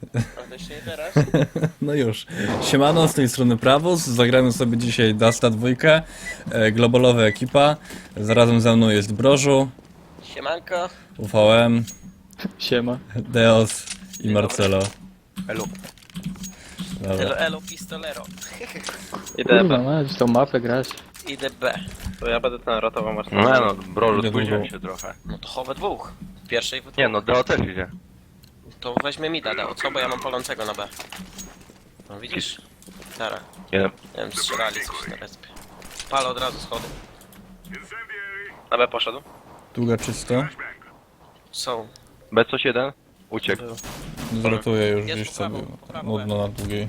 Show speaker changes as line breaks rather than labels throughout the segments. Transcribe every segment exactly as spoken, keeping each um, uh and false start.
A to jeszcze nie teraz?
No już. Siemano, z tej strony Prawus. Zagramy sobie dzisiaj Dasta dwójkę. E, globalowa ekipa. Zarazem ze mną jest Brożu,
Siemanko.
U V M,
Siema.
Deos i Marcelo.
Elu.
Dobra.
Elo, elo, pistolero.
Kurwa,
Idę B.
no, tą mapę grać.
Idę B.
To ja będę ten ratował masz.
No no, brożu,
Idę
spóźniłem
długo.
się trochę.
No to chowe dwóch. W pierwszej w dwóch.
Nie no, Deo też idzie.
To weźmie mida, Deo, co? Bo ja mam palącego na B. No widzisz? Tara.
Jeden.
Nie wiem, strzelali coś na respie. Palę od razu schody.
Na B poszedł.
Długa czysto.
Są.
B coś jeden? Uciekł.
Był.
Zrotuję już
Jest
gdzieś
po prawo,
sobie.
po prawo,
Nudno na długiej.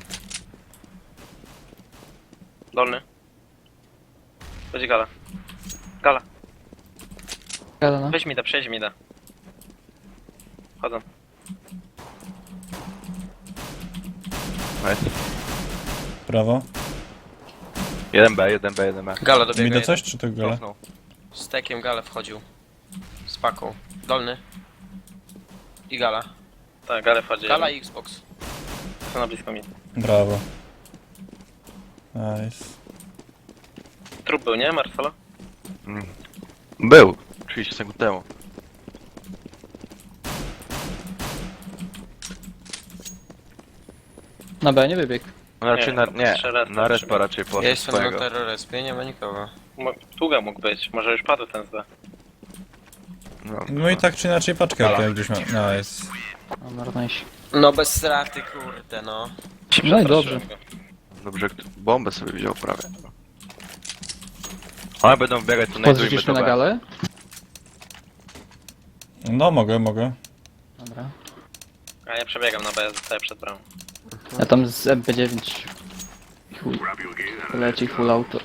Dolny. Będzie gala. Gala.
Gada, no.
Weź mi da, przejdź mi da. Chodzą.
Nice.
Prawo.
Jeden B, jeden B, jeden B.
Gala dobiega.
Widzę
jeden.
coś, czy to gole?
Cofnął.
Z tekiem gale wchodził. Z paką. Dolny. I gala.
Tak, gale wchodzi.
Gala i Xbox.
Są na blisko mi.
Brawo. Nice.
Trup był, nie Marcelo?
Mm. Był. trzydzieści sekund temu.
Na B nie wybiegł.
No raczej
Nie,
na... Nie,
trzy respa
na respa
trzeba.
raczej
Ja
poszedł
jestem na
swojego.
terrorespie, nie ma nikogo.
Mo- Długa mógł być, może już padł ten z B.
No,
No i tak czy inaczej paczkę
Gala.
jak gdzieś ma. Nice.
No, marnejś.
No bez straty, kurde, no.
No i dobrze.
Przestraszyłem go.
Dobrze, kto- bombę sobie wziął prawie. Ale będą biegać, to najdujmy
Podrzucisz
do
mnie na
B.
galę?
No mogę, mogę.
Dobra.
A ja przebiegam na B, zostaję przed bramą.
Ja tam z M P dziewięć. Chuj. Leci full auto.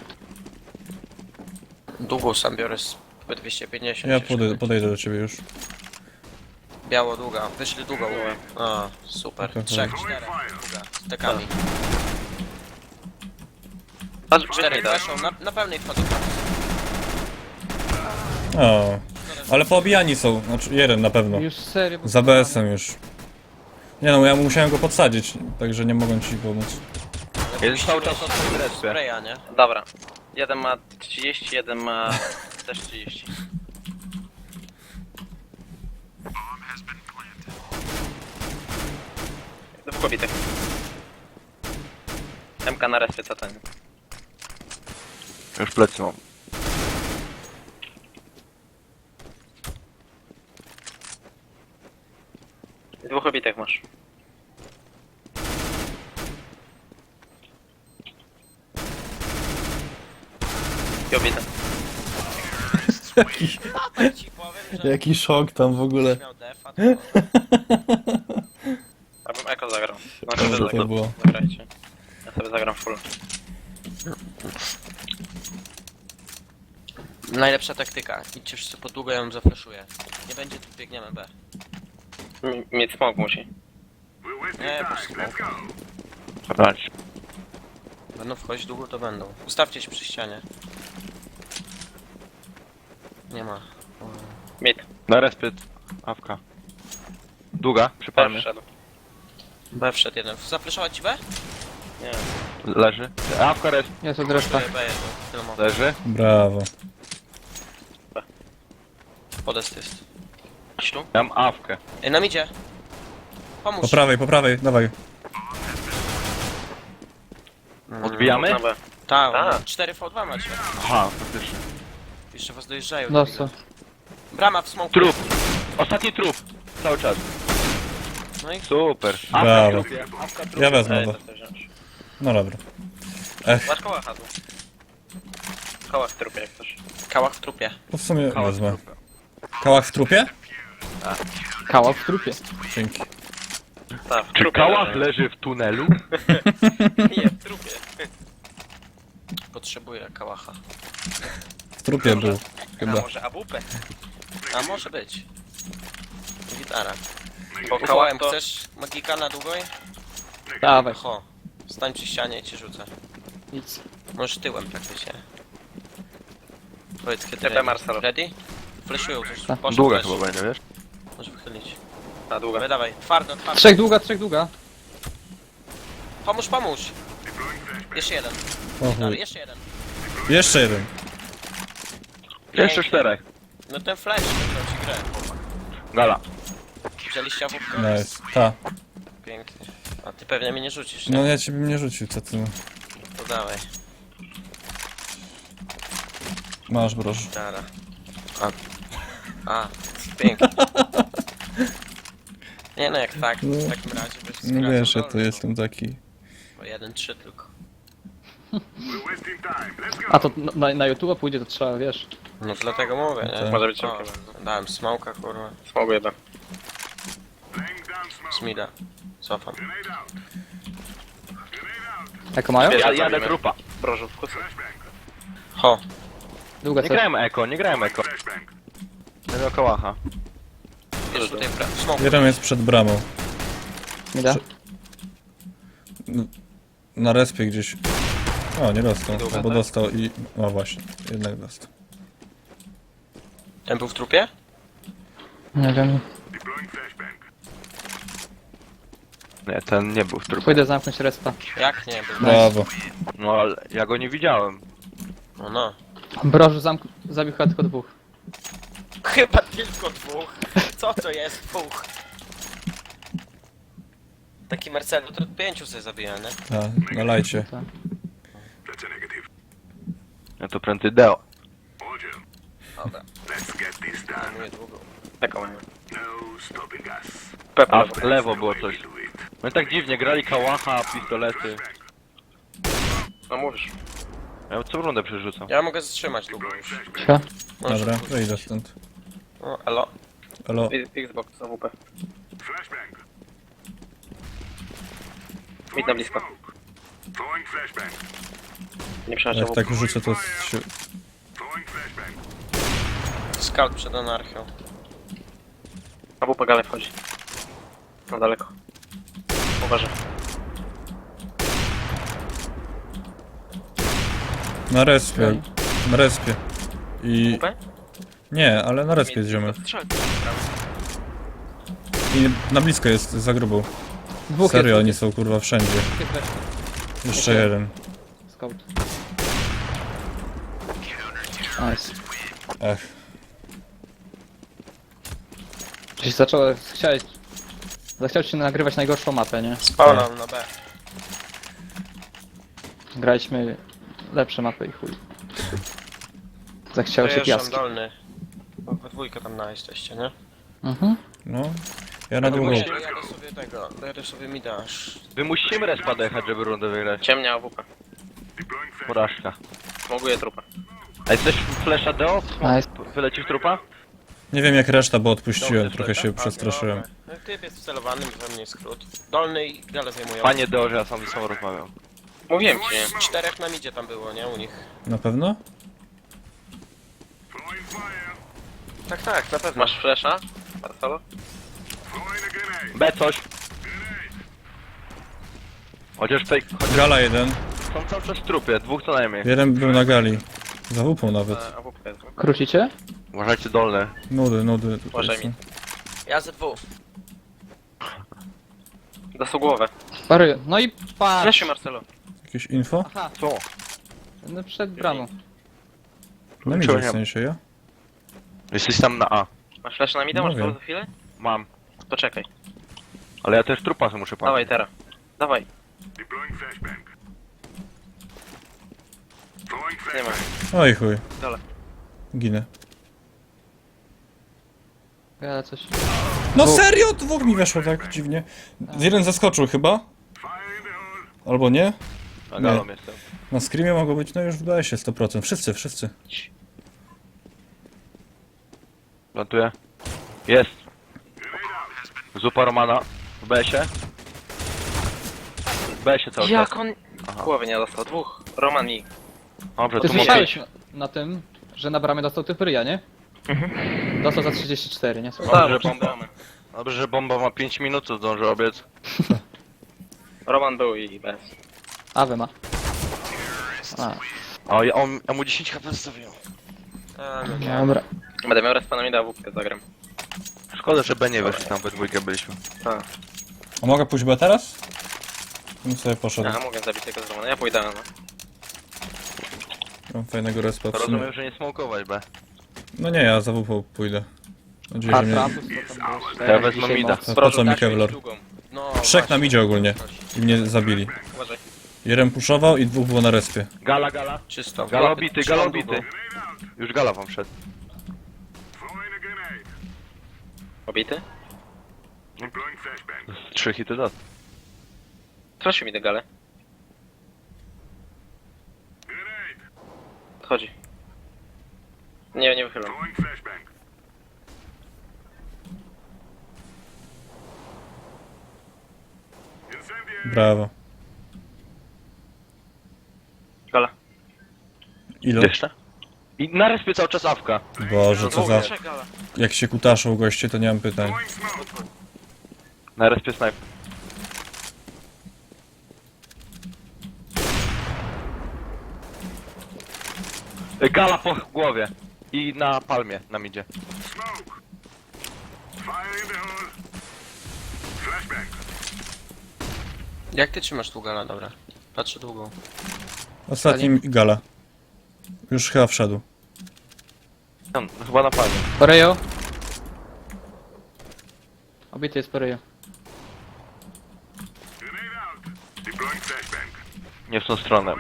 Długą sam biorę z P dwieście pięćdziesiąt.
Ja
się
podej podejdę do ciebie już.
Biało długa, wyszli długą. A, super.
Okej.
Trzech, czterech, długa, z tekami.
Patrz, weź mi
Czterech
da.
weszą, na, na pełnej wchodzą.
O. Ale poobijani są. Znaczy jeden na pewno.
Już serio. bo-
Za B S-em już. Nie no, ja musiałem go podsadzić, także nie mogłem ci pomóc.
Jeden cały czas na swoim respie.
Spraya, nie?
Dobra. Jeden ma trzydzieści, jeden ma też trzydzieści. Dwóch kobitek. M K na respie, co ten?
Już plecy mam.
Dwóch kobitek masz. I obite.
Tak ci powiem, że
Jaki szok tam w ogóle.
miał defa, to...
Abym eko zagrał. No
Dobrze
sobie
to
zagrał.
było.
Zagrajcie. Ja sobie zagram full.
Najlepsza taktyka. Idźcie wszyscy po długo, ja ją zafreszuję. Nie będzie, tu biegniemy B.
M- Mieć smog musi.
Nie, po smoku.
Brać.
Będą wchodzić długo, to będą. Ustawcie się przy ścianie. Nie ma.
Mid.
Na respie. Awka. Długa,
B
przypalmy.
wszedł.
B wszedł jeden. Zafreszować ci B?
Nie.
Leży. Awka resp.
Jest od reszta.
B jeden. Tyle mogę.
Leży.
Brawo.
Podest jest. Chodź tu.
Ja mam awkę.
Ej, nam idzie. Pomóż.
Po prawej, po prawej, dawaj.
Mm,
Odbijamy?
Na B.
Tak,
Tak.
cztery V dwa macie.
Aha, faktycznie.
Jeszcze was dojeżdżają.
No co?
Brama w smoku.
Trup. Ostatni trup. Cały czas.
No i
Super.
Brawo.
w trupie. Awka w trupie.
Ja wezmę
Ej,
to.
to chcę wziąć.
No dobra. Ech,
Masz koła hadł. Koła w trupie jak coś.
kałach w trupie.
to w sumie
Kałas w
wezmę.
trupie.
Kałach w trupie?
Kała w trupie.
Dzięki.
Tak, w
Czy
trupie
kałach
leży.
leży w tunelu?
Nie, w trupie.
Potrzebuję kałacha.
W trupie był.
A
Chyba.
może A W P?
A może być. Gitara.
Bo kałach
Kałałem,
to...
chcesz magika na długoj?
Dawaj.
Ho. Stań przy ścianie i cię rzucę.
Nic.
Możesz tyłem praktycznie. Powiedz kiedy
T P
ready.
Marcelo.
Ready? Fleszują coś.
Tak.
Poszedł
Długa
flash.
chyba będzie, wiesz?
Możesz wychylić.
Na długo.
Dawaj, dawaj. Twardo, twardo.
Trzech długa, trzech długa.
Pomóż, pomóż. Jeszcze jeden.
O
Dalej,
chuj.
jeszcze jeden.
Jeszcze jeden.
Jeszcze czterech.
No ten flash wygrał ci grę.
Gala.
Wzięliście awupkę?
Nice. Ta.
Pięknie. A ty pewnie mnie nie rzucisz, nie?
No ja ciebie nie rzucił, co ty.
To dawaj.
Masz broż.
Dara. A. A. Pięknie. Nie no, jak tak,
No.
w takim razie byś
No
skracał
wiesz, ja
dolny,
to
no.
jestem taki.
Bo jeden, trzy tylko.
A to na, na YouTube pójdzie, to trzeba, wiesz.
No dlatego mówię, nie?
Tak.
Może być
O,
szybkie bardzo.
dałem smoka, kurwa.
Smogu jeden.
Smida. Cofam.
Jako mają?
Ja,
Ja
jadę
zabijmy.
trupa.
Proszę, wkusy.
Ho.
Długa
Nie
coś.
grałem eko, nie grałem eko. Nie miał kołacha.
Jest tutaj pra... Smok.
Jeden jest przed bramą.
Mi da?
Na respie gdzieś. O, nie dostał.
Niedługo,
Albo
tak?
dostał i... O właśnie, jednak dostał.
Ten był w trupie?
Nie wiem.
Nie, ten nie był w trupie.
Pójdę zamknąć respa.
Jak nie był?
Brawo.
No ale ja go nie widziałem.
No no.
Brożu zamk... zabił chyba tylko dwóch.
Chyba tylko dwóch. Co to jest dwóch? Taki Marcelo to pięciu sobie zabija, nie?
Ta, na lajcie.
Tak.
Ja to prędzej Deo.
Dobra. Zajmuję długą.
Taką mają.
A
Pewno.
w lewo było coś. No i tak dziwnie, grali kałacha, pistolety.
No mówisz.
Ja co rundę przerzucam.
Ja mogę zatrzymać długą już.
Cicho.
Możesz
Dobra,
puścić.
wyjdę stąd.
O, elo.
Elo.
Xbox, A W P. Mid na blisko. Nie przepraszam.
Jak tak rzucę, to się...
Scout przed anarchią.
A W P gale wchodzi. Na daleko. Uważaj.
Na respie. Na respie. I...
W P?
Nie, ale na respie jest ziomek.
Strzel.
I na blisko jest, za grubą.
Dwóch
Serio,
jest.
oni są kurwa wszędzie.
Jest reszta.
Jeszcze jeden.
Scout. Nice.
Ech.
Gdzieś zacząłem, chciałeś... Zachciał ci nagrywać najgorszą mapę, nie?
Spawna na B.
Graliśmy lepsze mapy i chuj. Zachciało się
Dojeżdżam
piaski.
dolny. Bo we dwójkę tam na jesteście, nie?
Mhm.
No. Ja na długą.
Ja jadę sobie tego, jadę sobie mida aż.
Wymusimy respa dojechać, żeby rundę wygrać.
Ciemnia A W P.
Porażka.
Smoguję trupa.
A jesteś flesza Deo?
Nice.
Wylecisz trupa?
Nie wiem jak reszta, bo odpuściłem,
Dobrze,
trochę się
A,
przestraszyłem.
dobra. No, typ jest wcelowany, we mnie skrót. Dolny i gale zajmują.
Panie Deo, że ja sam ze sobą rozmawiam.
Mówiłem ci, nie?
Czterech na midzie tam było, nie? U nich.
Na pewno?
Tak, tak, na pewno.
Masz flasha? Marcelo?
B coś. Chociaż tutaj, chociaż
Gala jeden.
są cały czas w trupie, dwóch co najmniej.
Jeden był na gali. Za łupą nawet.
A W P jest.
Krucicie?
Uważajcie dolne.
Nudy, nudy tutaj
Uważaj
są.
mi.
Ja ze dwóch.
Dasł głowę.
Pary. No i patrz!
Flashy Marcelo.
Jakieś info?
Aha,
Co?
no przed bramą.
Na midzie w sensie, ja?
Jesteś tam na A.
Masz flasha na mida?
No
Masz
wiem.
to za chwilę?
Mam.
Poczekaj.
Ale ja też trupa sobie muszę
Dawaj
patrzeć.
teraz. Dawaj. Nie ma.
Oj chuj.
Dole.
Ginę.
Ja coś...
No
Dwóch.
serio? Dwóch mi weszło tak dziwnie. Jeden zaskoczył chyba? Albo nie?
Na galą jestem.
Na screamie mogło być, no już wydaje się sto procent. Wszyscy, wszyscy.
Plantuję. Jest. Zupa Romana. W B S-ie. W B S-ie cały czas.
Jak on...
Aha.
Głowy nie dostał. Dwóch. Roman i...
Dobrze,
Ty
tu mogę
słyszałeś
iść.
na, na tym, że na bramie dostał typ ryja, nie? Dostał za trzydzieści cztery, nie? Słuchaj.
Dobrze, że
Dobrze,
bomba. Dobrze, że bomba ma pięć minut, to zdąży obiec.
Roman był i bez.
Awe ma. A,
O, ja, on, ja mu dziesięć H P zostawiłem.
A, no nie.
dobra.
Będę miał respa na mida, A W P zagram.
Szkoda, że B nie weszli, tam we dwójkę byliśmy.
A mogę pójść B teraz? Bym sobie poszedł.
Ja mogę zabić tego z domu, no ja pójdę, no.
Mam fajnego respa w sumie.
Rozumiem, że nie smokować B.
No nie, ja za W P pójdę. Mam nadzieję,
A
że mnie...
Trapus to tam było
Ja
cztery,
wezmę
dzisiaj
mida.
moc.
To po co mi
Dać
Kevlar?
długą. No,
Trzech
właśnie.
nam idzie ogólnie. I mnie zabili.
Uważaj.
Jeden puszował i dwóch było na respie.
Gala, gala.
Czysto.
Gala obity,
Trzymam
gala
długą.
obity. Już gala wam wszedł.
Obity?
Trzy hity dat.
Proszę mi tę galę. Chodzi. Nie, nie wychylam.
Brawo.
Gala.
Ile?
Jeszcze? I na respie cały czas awka.
Boże, co za...
Trzech gala.
Jak się kutaszą goście, to nie mam pytań.
Na respie snipe. Gala po głowie. I na palmie nam idzie.
Jak ty trzymasz tu gala, dobra. Patrzę długą.
Ostatni gala. Już chyba wszedł.
Tam, chyba na palmie.
Porejo. Obity jest Porejo.
Nie w tą stronę.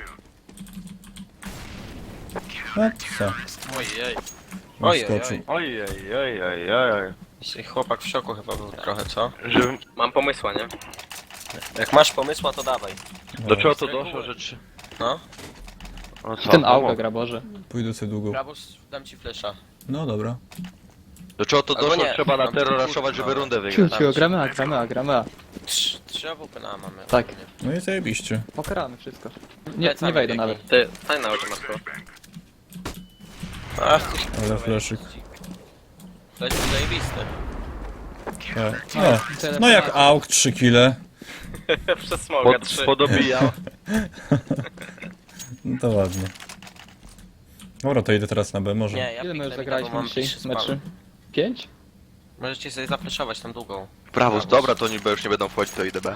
No co?
Ojej. Ojej,
Skoczył.
ojej.
Ojej, ojej, ojej, ojej.
Dzisiaj chłopak w szoku chyba był trochę, co?
Że,
Mam pomysła, nie?
Jak masz pomysła, to dawaj.
do czego to doszło, że trzy...
No.
No co?
Ten
no
auga
mów.
gra, Boże.
Pójdę sobie długą.
Brabus, dam ci flesza.
No dobra.
Do czego to
Albo
doszło,
nie.
trzeba na
Mam
terror
tu
raszować, żeby
kurwa.
rundę wygrać.
Ciu, ciu, gramy A, gramy A, gramy A.
Trzy, trzy A W P na A mamy.
Tak.
ogólnie.
No i zajebiście.
Pokaramy wszystko. Nie,
Plecami
nie wejdę
biegnij.
nawet.
Ty, stań na oczy masko.
Ach, ty
Ale fleszyk.
Flesz jest zajebisty.
Tak. No, no jak auk, trzy kile.
Przez smoga,
Pod,
trzy.
podobijał.
No to ładnie. Dobra, to idę teraz na B, może.
Nie, ja
Ile my już
piknę
zagraliśmy
mida, bo mam
dzisiaj
piszy
meczy?
spam.
Pięć?
Możecie sobie zafleszować tam długą.
Prawus, dobra, to niby już nie będą wchodzić, to idę B.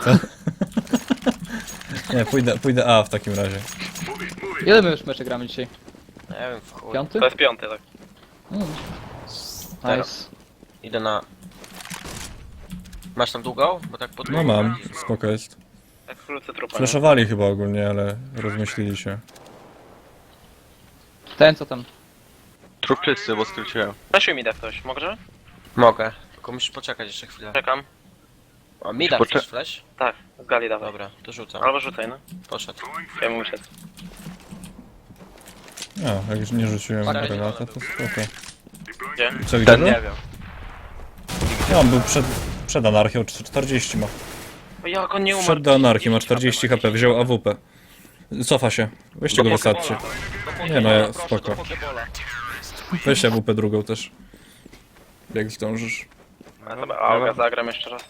Nie, pójdę, pójdę A w takim razie.
Ile my już meczy gramy dzisiaj?
Nie wiem, w chuj.
Piąty?
To jest piąty, tak.
Mm.
Teraz.
Nice.
Idę na... Masz tam długą? Bo tak pod
No mam, spoko jest.
Jak wkrótce trupa, nie?
Fleszowali chyba ogólnie, ale rozmyślili się.
Ten co tam?
Trup czysty, bo skróciłem.
Flashuj mi da ktoś, może?
Mogę. Tylko musisz poczekać jeszcze chwilę.
Czekam.
O, mi da
Poczek-
chcesz flash?
Tak, z gali dawaj.
Dobra, to rzucam.
Albo rzucaj, no.
Poszedł.
Ja mu uciec.
No, jak już nie rzuciłem
Stary,
granata, to spoko.
Gdzie?
Co, gdzie
Ten
był?
nie wiem.
No, on był przed, przed anarchią, czterdzieści ma.
O, jak on nie umarł?
Wszedł do anarchii, ma czterdzieści H P, wziął A W P. Cofa się. Weźcie go, wysadźcie. Nie no, ja, spoko. Weź A W P drugą też. Jak zdążysz.
A dobra, auga zagram jeszcze raz.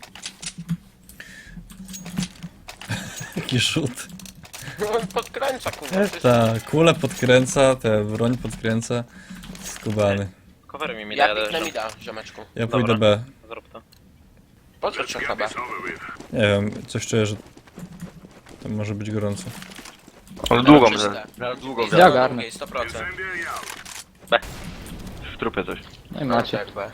Taki rzut.
On podkręca, kurwa.
Ta kule podkręca, te broń podkręca. Skubany.
Covery mi mi da,
Ja
ja
piknę
też.
mida, ziomeczku.
Ja
Dobra.
pójdę B.
Zrób to.
Po co trzech na B?
Nie wiem, coś czuję, że to może być gorąco.
On długą,
czyste.
że- zaraz długą
Idę
Ja
na
ogarnę.
drugiej, sto procent.
w trupie coś.
No i macie.
Jak B.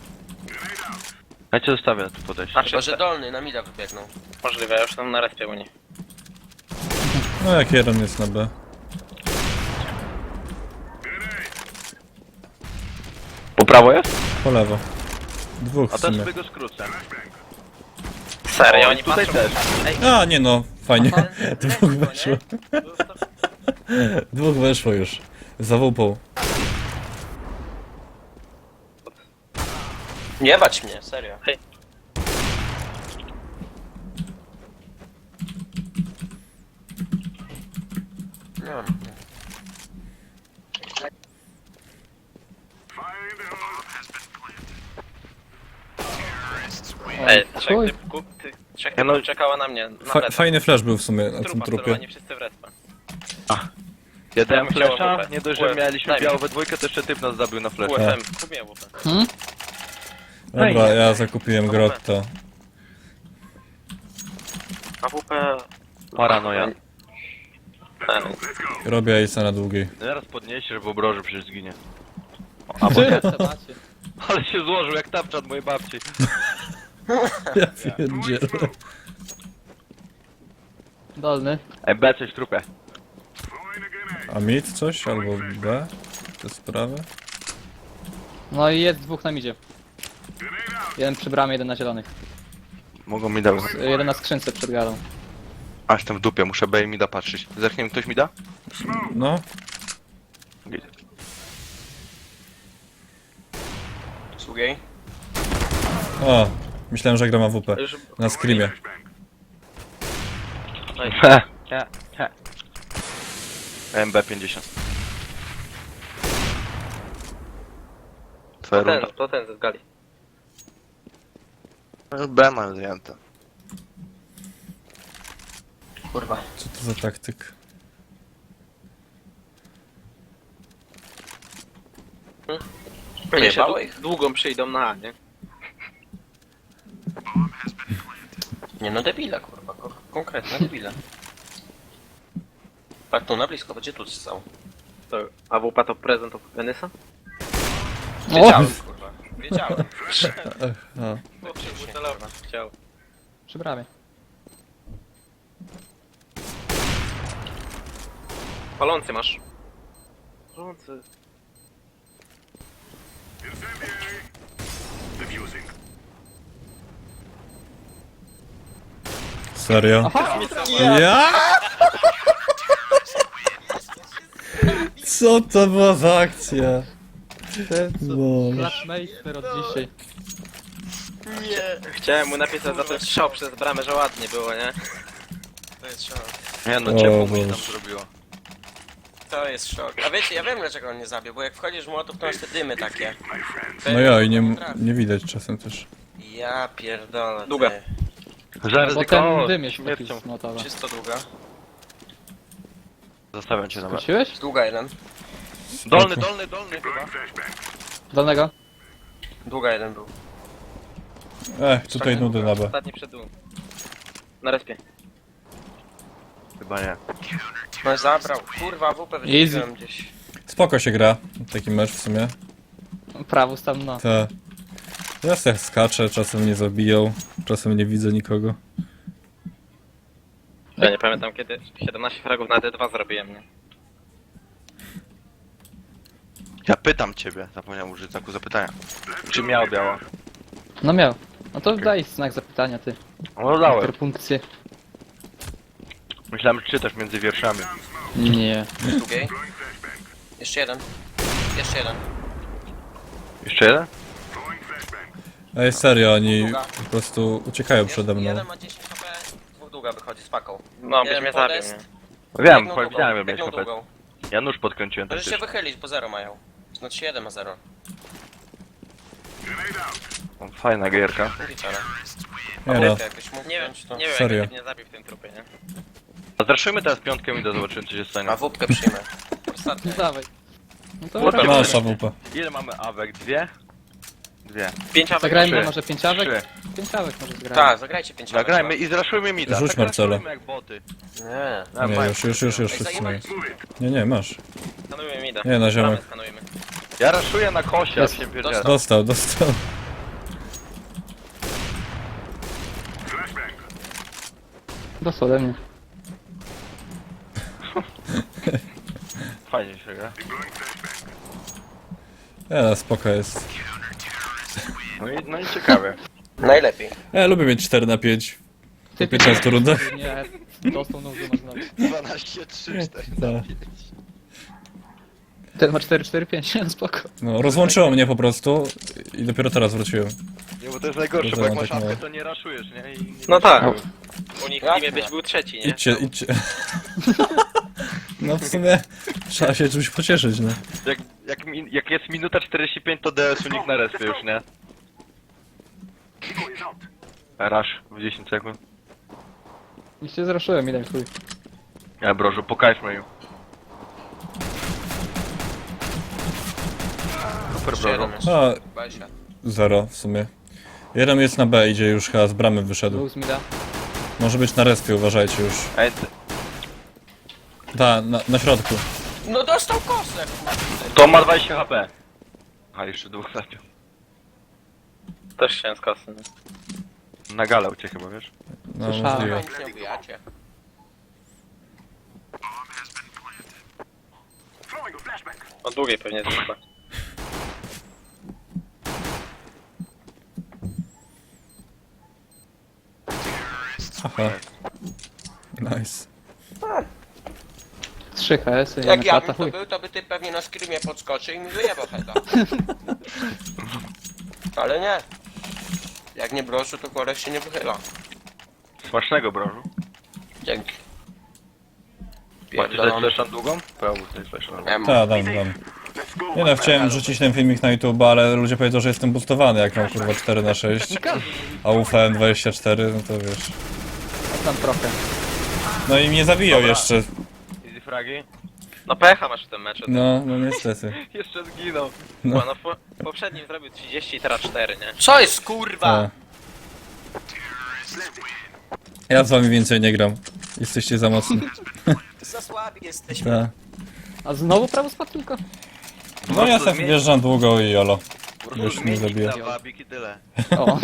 Ja cię zostawię tu podejść.
A,
Chyba, że
czyste.
dolny na mida wybiegną.
Możliwe, ja już tam na respie u niej.
No jak jeden jest na B.
Po prawo jest?
Po lewo. Dwóch
A
w
ten
sumie.
sobie go skrócę.
Serio,
O,
oni
i tutaj
patrzą.
też.
A, nie no, fajnie. Dwóch
Lekko,
weszło.
nie?
Dwóch weszło już. Za wupą.
Nie bać mnie, serio.
Hej.
No.
Ej,
Oj,
trzech
chuj.
typków, ty, trzech
Ja no-
typów czekała na mnie, na
Fa
plecach.
fajny flash był w sumie na tym
Trupa
trupie.
celowani wszyscy w respa.
Ja dałem
bym chciał
flesza,
AWP.
nie dość,
U
że
F,
mieliśmy
daj mi.
białą we dwójkę, to jeszcze typ nas zabił na
U
flesza.
F M, kupię W P.
Hmm?
Dobra, ja zakupiłem grotto.
A W P...
Paranoja.
Ten.
Robię Ace'a na długiej.
Zaraz podniesie, żeby obroży przecież zginie.
A Ty, co macie?
Ale się złożył jak tapczat mojej babci.
Ja pierdzielę.
Dolny.
Ej, B coś w trupie.
A mid coś? Albo B? Te sprawy?
No i jest dwóch na midzie. Jeden przy bramie, jeden na zielonych.
Mogą mi dać.
Jeden na skrzynce przed galą.
A jestem w dupie, muszę B i mi da patrzeć. Zerknie mi ktoś mi da?
No.
Z drugiej.
O, myślałem, że gram A W P.
Już...
Na screamie.
He, he, he. M B pięćdziesiąt. Twoja
To ten,
runda.
to ten z gali.
B mam zajęte.
Kurwa.
Co to za taktyk?
Nie,
Jebało ich?
długą przyjdą na A, nie?
Nie no, debile, kurwa. ko- Konkretne debile. Tak, tu na blisko, będzie tu stał.
To A W P to prezent od Venysa?
Wiedziałem, kurwa. Wiedziałem.
A.
Chciał.
Przy bramie.
Palący masz. Palący.
Serio?
Aha!
Ja? Co to była za akcja? No.
Flashmeister od dzisiaj.
Chciałem mu napisać za ten strzał przez bramę, że ładnie było, nie?
To jest szok.
Nie no,
O
ciepło mi tam
Boże.
zrobiło.
To jest szok. A wiecie, ja wiem dlaczego on nie zabił, bo jak wchodzisz w młotów, to masz te dymy takie. To
No
ja
ja i nie,
potrafię.
nie widać czasem też.
Ja pierdolę.
Długa.
ty.
Bo
Zaryzykował
ten dym jest taki
śmiercią.
z motowa.
Czysto długa.
Zostawiam cię na B.
Wróciłeś?
Długa jeden.
Dolny, dolny, dolny chyba.
Dolnego?
Długa jeden był.
Ech, tutaj nudy na B.
Ostatni przed dół. Na respie.
Chyba nie.
No zabrał. Kurwa, W P wyciągnąłem gdzieś.
Spoko się gra. Taki mecz w sumie.
Prawus tam no.
Te. Ja se skaczę, czasem mnie zabiją, czasem nie widzę nikogo.
Ja nie pamiętam kiedy siedemnaście fragów na D dwa zrobiłem, nie?
Ja pytam ciebie, zapomniałem użyć znaku zapytania. Czy miał biała?
No miał. No to daj znak zapytania ty.
No dałem.
Interpunkcję.
Myślałem, że czytasz między wierszami.
Nie.
Z drugiej. Jeszcze jeden. Jeszcze jeden.
Jeszcze jeden?
Ej, serio, oni
Długa.
po prostu uciekają przede mną.
Jeden ma dziesięć H P, dwóch długa wychodzi z paką.
No, byś
Jeden
mnie zabił,
podest,
nie?
Wiem,
biegną długą,
powiedziałem, że miałeś
biegną
kopet.
długą.
Ja nóż podkręciłem tak
Możesz się wychylić, bo zero mają. Znaczy jeden ma zero.
Fajna gierka.
Wieczora.
Nie no,
Jakbyś mógł
Nie wiem,
wziąć, to...
nie wiem
Serio.
jak mnie zabił w tym trupie, nie?
A zraszujmy teraz piątkę i do zobaczymy co się stanie.
A wódkę przyjmę. Ostatnie.
No dawaj. No to
Kurwa,
dobra.
masz A W P.
Ile mamy awek? Dwie? Dwie.
Pięć awek.
Zagrajmy
Trzy.
może pięciawek?
Trzy.
Pięciawek może zagrajmy.
Tak, zagrajcie pięć.
Zagrajmy i zraszujmy mida.
Rzuć
Tak
Marcelo.
raszujmy jak boty.
Nie.
A,
Nie,
fajnie.
już, już, już, już
Ej,
wszyscy mają.
zajmę.
Nie, nie, masz.
Skanujmy mida.
Nie, na ziemek.
Bramę Skanujmy.
Ja raszuję na kosie, a
Jest.
się pierdzielę.
Dostał, dostał.
Dostał ode mnie.
Fajnie się gra.
Nie, no, spoko jest.
No i, no i ciekawe.
Najlepiej.
Ja lubię mieć cztery na pięć.
Ty
piętnaście rundach.
Nie, dostał nóż masz znowu.
dwanaście, trzy, cztery.
Tak.
Ten ma cztery cztery pięć, spoko.
No, rozłączyło mnie po prostu i dopiero teraz wróciłem.
Nie, bo to jest najgorsze,
To
bo jak
mam
masz
tak mało.
awkę to nie raszujesz, nie? I,
No tak.
No.
U nich w
Jak
teamie
nie?
byś był trzeci, nie?
Idźcie, idźcie. No w sumie trzeba się czymś pocieszyć, no.
Jak, jak, mi- jak jest minuta czterdzieści pięć, to D S u nikt na respie już, nie? Rush w dziesięć sekund.
I się zraszyłem, ile chuj.
Ja brożu, pokażmy ją. Super
Jeszcze
brożu.
jeden jeszcze.
No,
Basia.
zero w sumie. Jeden jest na B, idzie już chyba z bramy wyszedł.
Dwóch z mida.
Może być na respie, uważajcie już.
Ej, ty-
Ta, na, na środku.
No dostał kosę, kurde.
to ma dwadzieścia H P. A jeszcze dwóch zabił.
Też chciałem z kasy. nie?
Na galę uciekł chyba, wiesz?
No,
Słyszałem.
możliwe.
Nic nie ubijacie.
O długiej pewnie jest chyba.
Aha. Nice.
Trzy H S,
Jak
jeden
ja
klata,
bym to
chuj.
był, to by ty pewnie na screamie podskoczył i mi wyjebał heada. Ale nie. Jak nie brożu, to korek się nie wychyla.
Smacznego brożu.
Dzięki.
Macie dać
Pierdolony.
flash na długą? Prawo, tutaj flash na długą.
Em,
Ta, dam, dam. Nie no, chciałem rzucić ten filmik na YouTube, ale ludzie powiedzą, że jestem boostowany, jak mam kurwa cztery na sześć. A U F M dwadzieścia cztery, no to wiesz.
Tam trochę.
No i mnie zabiją
Dobra.
jeszcze.
Easy fragi.
No pecha masz w tym meczu.
No, no niestety.
Jeszcze zginął.
No.
No, no po, poprzednim zrobił trzydzieści, teraz cztery, nie?
Co jest kurwa?
Ta. Ja z wami więcej nie gram. Jesteście za mocni.
Za słabi jesteśmy.
Ta.
A znowu prawo spadł tylko?
No ja sobie wjeżdżam długo i jolo.
Po prostu
Już mnie
zmiennik
zabija.
na wabik i tyle.
O.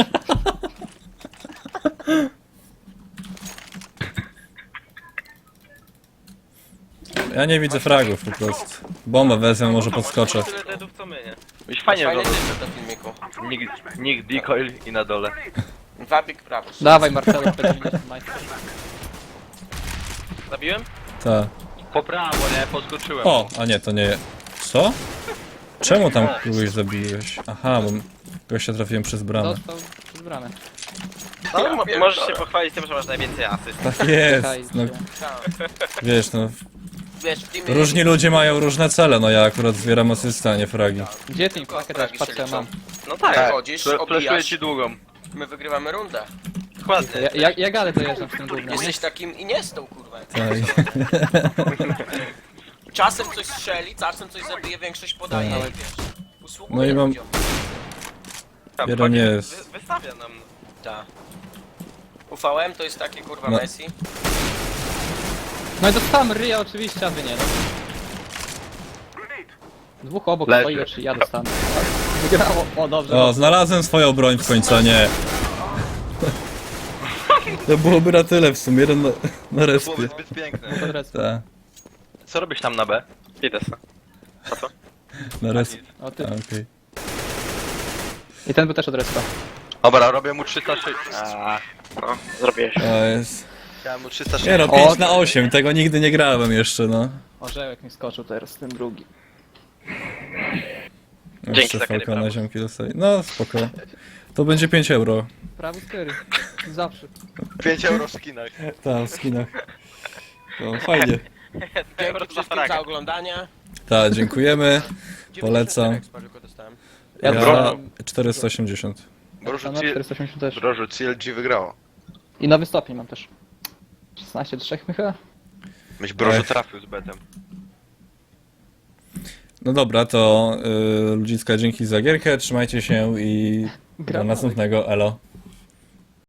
Ja nie widzę fragów po prostu. Bombę wezmę, może podskoczę.
Tyle deadów co my, nie?
Byś fajnie
Fajny
wyglądał.
tytuł do filmiku.
Nick, Nick decoil i na dole.
Wabik prawo.
Dawaj Marcelo, Pedro, majster.
Zabiłem?
Ta.
Po prawo, nie? Podskoczyłem.
O, a nie, to nie. Co? Czemu tam kogoś zabiłeś? Aha, bo gościa trafiłem przez bramę.
Dostał przez bramę.
No, mo- możesz się pochwalić tym, że masz najwięcej asyst.
Tak jest. No,
Tak.
wiesz, no.
Wiesz, w teamie...
Różni ludzie mają różne cele, no ja akurat zbieram asystę, a nie fragi.
Gdzie ty mi pakę też?
Fragi
Patrz co
się
ja mam.
No tak,
Tak. Chodzisz,
Fle- Flashuję
obijasz,
ci długą.
my wygrywamy rundę.
dokładnie.
Ja, ja, ja galę dojeżdżam z tym gównem, nie?
Jesteś takim Iniestą, kurwa.
Tak.
Czasem coś strzeli, czasem coś zabije, większość podaje
Tak.
i wiesz. Usługuje
No i mam-
ludziom.
Tam
Jeden
wchodzi,
jest.
Wy, wystawia nam.
Tak. U V M to jest taki kurwa
No.
Messi.
No i dostałem ryja oczywiście, a wy nie. No. Dwóch obok
Leży.
stoi, jeszcze ja dostanę. Wygrało. O, dobrze.
O, znalazłem swoją broń w końcu, a nie. To byłoby na tyle w sumie, jeden na, na respie.
Byłoby zbyt piękne.
dobrze.
Ta,
Co robisz tam na B?
Idę se.
na respie.
O
A,
ty.
okej.
I ten był też od respa.
Dobra, robię mu trzysta sześćdziesiąt. Aaa,
No, zrobiłeś.
To jest...
chciałem mu
Nie
trzysta
no,
sześćdziesiąt.
pięć na osiem, tego nigdy nie grałem jeszcze, no.
Orzełek mi skoczył teraz, ten drugi.
Jeszcze
za
Falcona
Kerry
ziomki dostaje. No, spoko. To będzie pięć euro.
Prawy skiery. Zawsze.
pięć euro w skinach.
Tak, w skinach. No, fajnie.
Dzięki wszystkim za oglądanie.
Tak, dziękujemy. Polecam.
dziewięćdziesiąt cztery expa tylko dostałem.
Ja
Ja
dostałem
czterysta osiemdziesiąt.
Brożu,
na czterysta osiemdziesiąt też.
Brożu C L G wygrało.
I nowy stopień mam też. szesnaście do trzech chyba?
Myś Brożu
Ech.
trafił z betem.
No dobra, to yy, ludziska, dzięki za gierkę, trzymajcie się i do
Gramy.
następnego, elo.